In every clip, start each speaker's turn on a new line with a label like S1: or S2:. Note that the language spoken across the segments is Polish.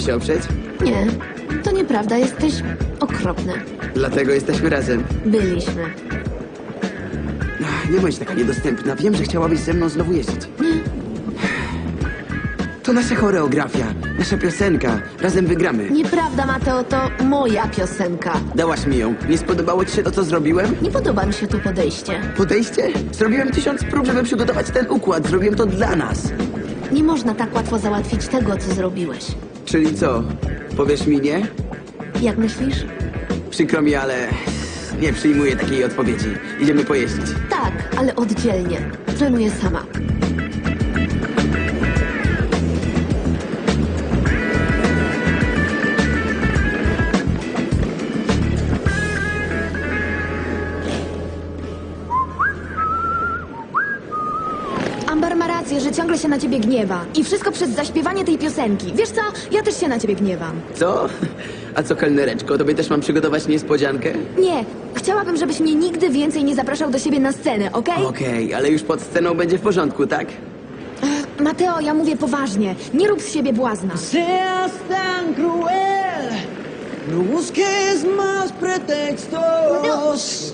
S1: się oprzeć?
S2: Nie, to nieprawda, jesteś okropny.
S1: Dlatego jesteśmy razem.
S2: Byliśmy.
S1: Nie bądź taka niedostępna. Wiem, że chciałabyś ze mną znowu jeździć.
S2: Nie,
S1: To nasza choreografia, nasza piosenka. Razem wygramy.
S2: nieprawda, Mateo, to moja piosenka.
S1: Dałaś mi ją. Nie spodobało ci się to, co zrobiłem?
S2: Nie podoba mi się to podejście.
S1: Podejście? Zrobiłem 1000 prób, żeby przygotować ten układ. Zrobiłem to dla nas.
S2: Nie można tak łatwo załatwić tego, co zrobiłeś.
S1: Czyli co? Powiesz mi nie?
S2: Jak myślisz?
S1: Przykro mi, ale nie przyjmuję takiej odpowiedzi. Idziemy pojeździć.
S2: Tak, ale oddzielnie. Trenuję sama.
S3: Amber ma rację, że ciągle się na ciebie gniewa. I wszystko przez zaśpiewanie tej piosenki. Wiesz co? Ja też się na ciebie gniewam.
S1: Co? A co, kelnereczko? Tobie też mam przygotować niespodziankę?
S3: Nie, chciałabym, żebyś mnie nigdy więcej nie zapraszał do siebie na scenę, okej?
S1: Okej, ale już pod sceną będzie w porządku, tak?
S3: Mateo, ja mówię poważnie. Nie rób z siebie błazna.
S4: Seas tan cruel, no busques más pretextos.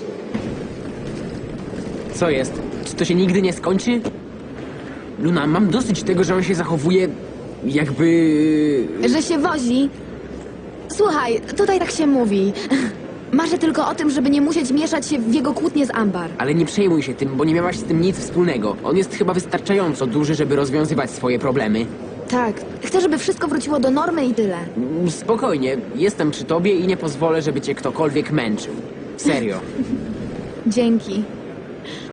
S5: Co jest? Czy to się nigdy nie skończy? Luna, mam dosyć tego, że on się zachowuje jakby...
S3: Że się wozi. Słuchaj, tutaj tak się mówi. Marzę tylko o tym, żeby nie musieć mieszać się w jego kłótnie z Amber.
S5: Ale nie przejmuj się tym, bo nie miałaś z tym nic wspólnego. On jest chyba wystarczająco duży, żeby rozwiązywać swoje problemy.
S3: Tak, chcę, żeby wszystko wróciło do normy i tyle.
S5: Spokojnie, jestem przy tobie i nie pozwolę, żeby cię ktokolwiek męczył. Serio.
S3: Dzięki.